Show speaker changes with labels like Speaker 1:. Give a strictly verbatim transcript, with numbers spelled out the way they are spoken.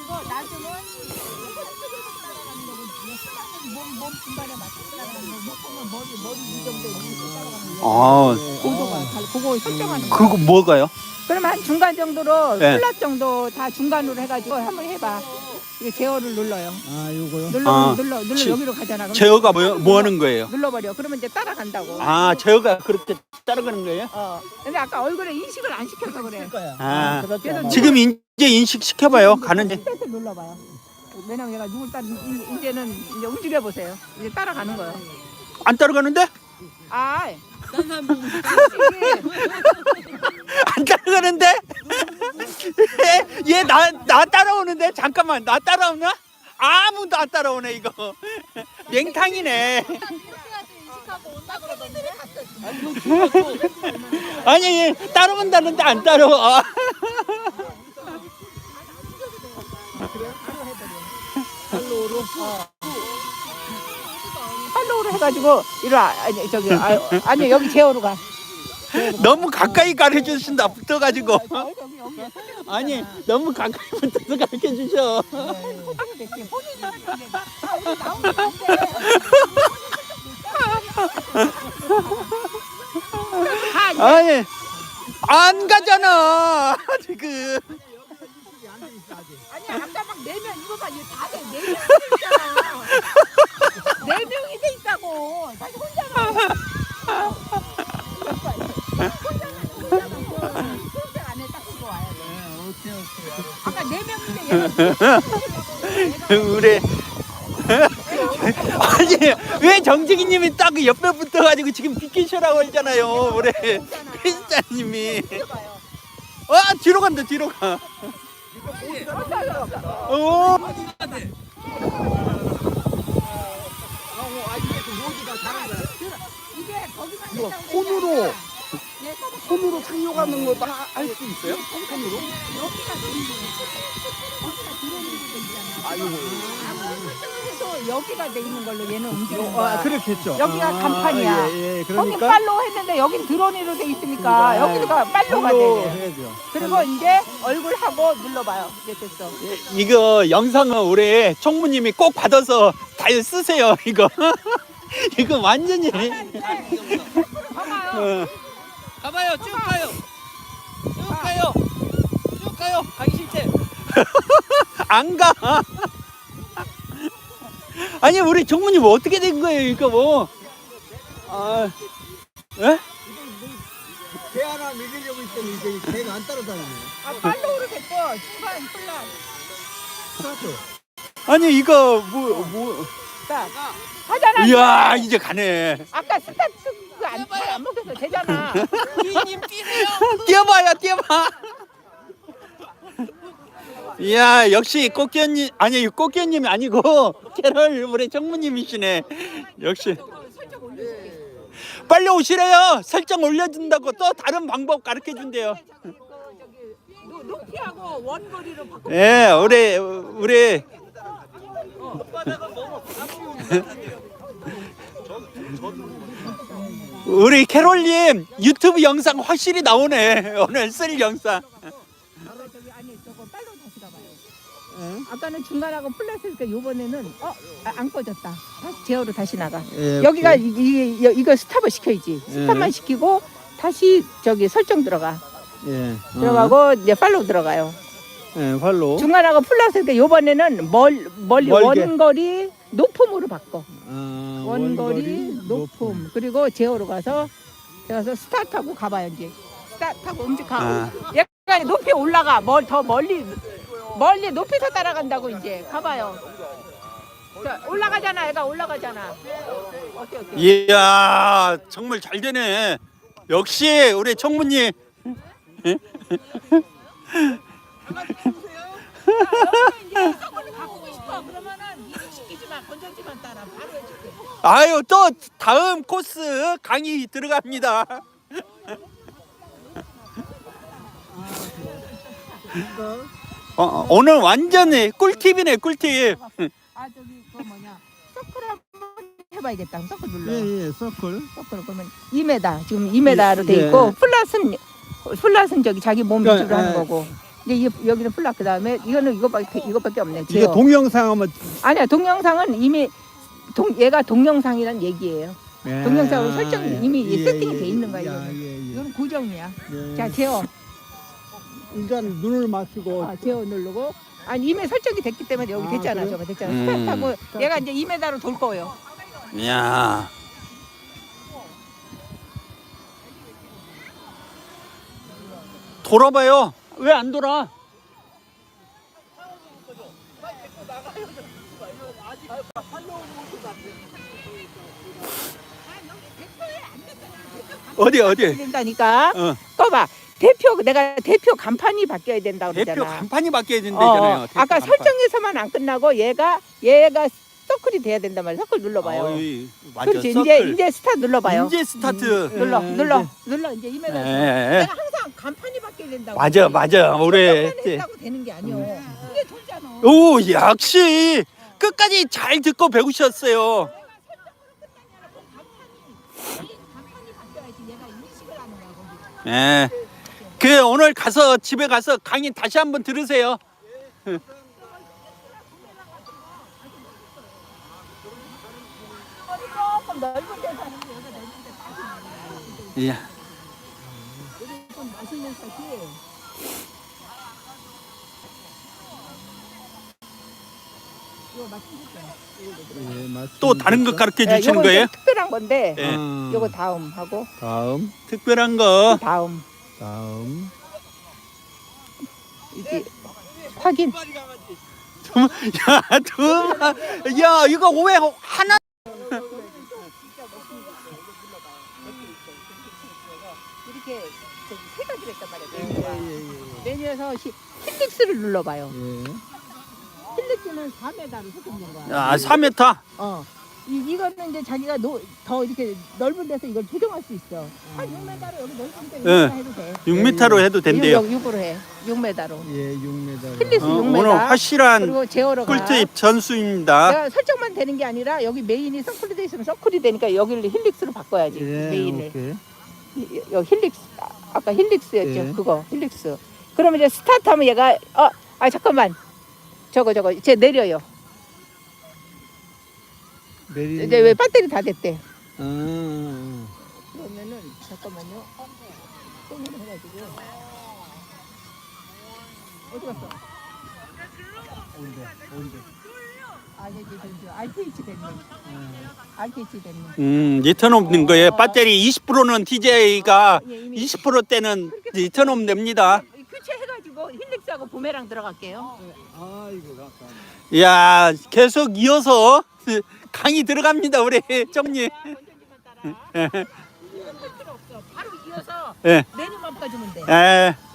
Speaker 1: 낮으면 몸, 몸 중간에 맞춰 따라가는 거, 높으면 머리, 머리 이 정도에 이렇게 따라가는 거.
Speaker 2: 아,
Speaker 1: 고도가 다 그거 설정하는 거.
Speaker 2: 그거 뭐가요?
Speaker 1: 그러면 한 중간 정도로
Speaker 2: 네.
Speaker 1: 플랫 정도 다 중간으로 해가지고 한번 해봐. 이게 제어를 눌러요.
Speaker 3: 아, 요거요?
Speaker 1: 눌러,
Speaker 2: 아,
Speaker 1: 눌러, 눌러
Speaker 2: 지-
Speaker 1: 여기로 가잖아. 그럼
Speaker 2: 제어가 뭐, 뭐 하는 거예요?
Speaker 1: 눌러버려. 그러면 이제 따라간다고.
Speaker 2: 아, 제어가 그렇게 따라가는 거예요?
Speaker 1: 어. 근데 아까 얼굴에 인식을 안 시켜서 그래.
Speaker 2: 아,
Speaker 1: 그래서
Speaker 2: 지금 이제 인식 시켜봐요. 가는지.
Speaker 1: 스페이스 눌러봐요. 왜냐면 얘가 누굴 따 이제는 이제 움직여 보세요. 이제 따라가는 거예요.
Speaker 2: 안 따라가는데?
Speaker 1: 아,
Speaker 2: 안 따라가는데? 얘 나 나 따라오는데? 잠깐만, 나 따라오나? 아무도 안 따라오네 이거. 맹탕이네. 아니 따라온다는데 안 따라와.
Speaker 1: 팔로우로 해가지고 이리 와. 아니 저기 아, 아니 여기 제어로 가.
Speaker 2: 너무 가까이 가르쳐 주신다. 붙어가지고.
Speaker 1: 여기 여기.
Speaker 2: 아니 너무 가까이 붙어서 가르쳐 주셔. 아니 안 가잖아 지금.
Speaker 1: 아니 아까 막 네 명 이거 봐 이거 다돼 네 명이 있잖아. 네 명이 돼 있다고. 다시 혼자만. 혼자만 혼자만 혼자 안에 딱 들고 와야 돼. 아까 네 명인데 얘가
Speaker 2: 우리 아니 왜 정직이님이 딱 옆에 붙어가지고 지금 비키셔라고 했잖아요. 우리 크리스찬님이. 아 뒤로 간다 뒤로 가. 오.
Speaker 1: 이게 거기만
Speaker 3: 이거
Speaker 1: 있다고
Speaker 3: 손으로
Speaker 1: 얘가
Speaker 3: 손으로 상용하는 것도 할 수 있어요? 손으로?
Speaker 1: 여기가 여기가 들어오는 데 있잖아.
Speaker 3: 아, 요거.
Speaker 1: 아무리 설정을 해도 여기가 돼 있는 걸로 얘는 움직이는
Speaker 3: 요,
Speaker 1: 거야.
Speaker 3: 아, 그렇겠죠.
Speaker 1: 여기가
Speaker 3: 아,
Speaker 1: 간판이야.
Speaker 3: 예, 예.
Speaker 1: 거긴
Speaker 3: 그러니까
Speaker 1: 팔로우 했는데 여긴 드론으로 돼 있으니까 여기가 팔로우가
Speaker 3: 팔로우
Speaker 1: 돼.
Speaker 3: 해야죠.
Speaker 1: 그리고 이제 얼굴하고 눌러봐요. 이제 됐어.
Speaker 2: 이거 영상은 우리 총무님이 꼭 받아서 잘 쓰세요 이거. 이거 완전히.
Speaker 1: 봐봐요.
Speaker 2: 어.
Speaker 4: 가봐요, 쭉 가요. 쭉 가요. 쭉 가요. 가기 싫대.
Speaker 2: 안 가. 아니 우리 총무님 어떻게 된 거예요 이거 뭐? 아, 예?
Speaker 3: 개 하나 먹이려고 했더니 이제 개가 안 따라다니네.
Speaker 1: 아 팔로우로 됐고 중간 플랫.
Speaker 3: 스타트.
Speaker 2: 아니 이거 뭐 뭐?
Speaker 1: 자 하잖아.
Speaker 2: 이야 이제 가네.
Speaker 1: 아까 스타트 그안 안 먹혀서 되잖아.
Speaker 4: 주인님 뛰세요.
Speaker 2: 뛰어봐요 뛰어봐. 이야 역시 꽃기현님 아니 꽃기현님이 아니고 캐럴 우리 총무님이시네. 역시. 빨리 오시래요. 설정 올려준다고 또 다른 방법 가르쳐 준대요.
Speaker 1: 저기 높이하고 원거리로 바꿔.
Speaker 2: 예, 우리 우리 우리 캐롤님 유튜브 영상 확실히 나오네. 오늘 쓸 영상.
Speaker 1: 저기 아니 저거 빨로 다시 가봐요. 아까는 중간하고 플랫이니까 이번에는 어 안 꺼졌다. 다시 제어로 다시 나가.
Speaker 3: 예,
Speaker 1: 여기가 이, 이, 이- 이거 스탑을 시켜야지. 스탑만
Speaker 2: 예.
Speaker 1: 시키고 다시 저기 설정 들어가.
Speaker 3: 예.
Speaker 1: 들어가고 이제 팔로우 들어가요.
Speaker 3: 예, 팔로.
Speaker 1: 중간하고 플러스니까 이번에는 멀 멀리
Speaker 3: 멀게.
Speaker 1: 원거리 높음으로 바꿔.
Speaker 3: 아,
Speaker 1: 원거리 높음. 그리고 제어로 가서 가서 스타트하고 가봐요 이제. 스타트하고 움직하고.
Speaker 2: 아.
Speaker 1: 얘가 높이 올라가. 멀 더 멀리 멀리 높이서 따라간다고 이제 가봐요. 자, 올라가잖아. 얘가 올라가잖아. 오케이 오케이.
Speaker 2: 이야 정말 잘 되네. 역시 우리 총무님.
Speaker 1: 이제 서클을 바꾸고 싶어. 그러면은 이식시키지만 건전지만 따라 바로 해줄게.
Speaker 2: 아유 또 다음 코스 강의 들어갑니다. 어, 어, 오늘 완전히 꿀팁이네 꿀팁.
Speaker 1: 아 저기 그 뭐냐 서클 한번 해봐야겠다. 서클 눌러.
Speaker 3: 예, 예, 서클.
Speaker 1: 서클 그러면 이 미터 지금 이 미터로 돼
Speaker 3: 예.
Speaker 1: 있고 플랫은 플랫은 저기 자기 몸
Speaker 3: 그러니까,
Speaker 1: 위주로 하는
Speaker 3: 예.
Speaker 1: 거고 이제 이- 여기는 플락 그 다음에 이거는 이거밖에 이거밖에 없네.
Speaker 3: 이게
Speaker 1: 제어.
Speaker 3: 동영상 한번
Speaker 1: 아니야 동영상은 이미 동 얘가 동영상이란 얘기예요.
Speaker 3: 예.
Speaker 1: 동영상으로 설정이 이미
Speaker 3: 예,
Speaker 1: 세팅이
Speaker 3: 예,
Speaker 1: 돼 있는 거야.
Speaker 3: 예,
Speaker 1: 이거는.
Speaker 3: 예, 예.
Speaker 1: 이건 고정이야.
Speaker 3: 예.
Speaker 1: 자 제어.
Speaker 3: 일단 눈을 맞추고
Speaker 1: 아, 제어 누르고. 아니 이미 설정이 됐기 때문에 여기
Speaker 3: 아,
Speaker 1: 됐잖아.
Speaker 3: 그래요?
Speaker 1: 저거 됐잖아.
Speaker 2: 음.
Speaker 1: 스타트하고 얘가 이제 이 미터로 돌 거예요.
Speaker 2: 이야. 돌아봐요. 왜 안 돌아? 어디 어디?
Speaker 1: 된다니까.
Speaker 2: 어.
Speaker 1: 꺼봐. 대표 내가 대표 간판이 바뀌어야 된다고 그러잖아.
Speaker 2: 대표 간판이 바뀌어야
Speaker 1: 어,
Speaker 2: 된다잖아요. 대표
Speaker 1: 아까
Speaker 2: 간판.
Speaker 1: 설정에서만 안 끝나고 얘가 얘가 서클이 돼야 된단 말이야. 서클 눌러봐요.
Speaker 2: 어이, 맞아.
Speaker 1: 그렇지.
Speaker 2: 서클.
Speaker 1: 이제 이제 스타트 눌러봐요.
Speaker 2: 이제 스타트.
Speaker 1: 눌러
Speaker 3: 예,
Speaker 1: 눌러
Speaker 3: 이제.
Speaker 1: 눌러 이제 이 미터.
Speaker 2: 예, 예.
Speaker 1: 내가 항상 간판이 바뀌어야 된다고.
Speaker 2: 맞아 맞아. 올해
Speaker 1: 했다고 되는 게 아니오. 이게 돌잖아.
Speaker 2: 오 역시 끝까지 잘 듣고 배우셨어요.
Speaker 1: 간판이 바뀌어야지 얘가 인식을 하는 거야. 거기.
Speaker 2: 예. 그 오늘 가서 집에 가서 강의 다시 한번 들으세요.
Speaker 1: 조금 넓은 데서 하는 게 여기가 넓은 데
Speaker 2: 예.
Speaker 1: 좀 맛있는 사실. 이거 맛있겠다.
Speaker 3: 예, 맞습니다.
Speaker 2: 또 다른 거 가르쳐
Speaker 1: 예,
Speaker 2: 주시는
Speaker 1: 요거
Speaker 2: 거예요?
Speaker 1: 이제 특별한 건데
Speaker 2: 예.
Speaker 3: 아,
Speaker 1: 요거 다음 하고
Speaker 3: 다음
Speaker 2: 특별한 거.
Speaker 1: 다음
Speaker 3: 다음
Speaker 1: 이게 확인.
Speaker 2: 야, 두, 야, 이거 왜 하나?
Speaker 1: 이렇게 저기 세 가지를 했단 말이야. 메뉴가. 메뉴에서 히- 힐릭스를 눌러봐요.
Speaker 3: 예.
Speaker 1: 힐릭스는 사 미터로 섞는 거야.
Speaker 2: 아, 사 미터.
Speaker 1: 어. 이, 이거는 이제 자기가 노, 더 이렇게 넓은 데서 이걸 조정할 수 있어. 한 육 미터로 여기 넓은 데
Speaker 2: 예.
Speaker 1: 해도 돼.
Speaker 2: 육 미터로 해도 된대요.
Speaker 1: 육, 으로 해. 육 미터로.
Speaker 3: 예, 육 미터.
Speaker 1: 힐리스
Speaker 2: 어,
Speaker 1: 육 미터.
Speaker 2: 오늘 확실한
Speaker 1: 그리고 제어로 가.
Speaker 2: 꿀팁 전수입니다.
Speaker 1: 내가 설정만 되는 게 아니라 여기 메인이 서클이 돼 있으면 서클이 되니까 여기를 힐릭스로 바꿔야지.
Speaker 3: 예,
Speaker 1: 메인을.
Speaker 3: 오케이.
Speaker 1: 이- 여기 힐릭스. 아, 아까 힐릭스였죠.
Speaker 3: 예.
Speaker 1: 그거 힐릭스. 그러면 이제 스타트하면 얘가 어, 아 잠깐만. 저거 저거 이제 내려요.
Speaker 3: 내리는
Speaker 1: 이제 왜 배터리 다 됐대.
Speaker 3: 아, 아,
Speaker 1: 그러면은 잠깐만요. 똥을 해가지고 어디 갔어?
Speaker 3: 온대, 온대.
Speaker 1: 아 여기 저기 알티에이치 됐네. 알티에이치 됐네.
Speaker 2: 음, 리턴 없는 거예요. 배터리 이십 퍼센트는 티제이가
Speaker 1: 예, 이미
Speaker 2: 이십 퍼센트 때는 리턴 없 됩니다.
Speaker 1: 교체해가지고 힐릭스하고 부메랑 들어갈게요.
Speaker 3: 아, 이거 아까.
Speaker 2: 야, 계속 이어서 강의 들어갑니다, 우리 정리.
Speaker 1: 건전지만 따라. 이건 할 필요 없어. 바로 이어서
Speaker 2: 예.
Speaker 1: 메뉴만 바꿔주면 돼.
Speaker 2: 예.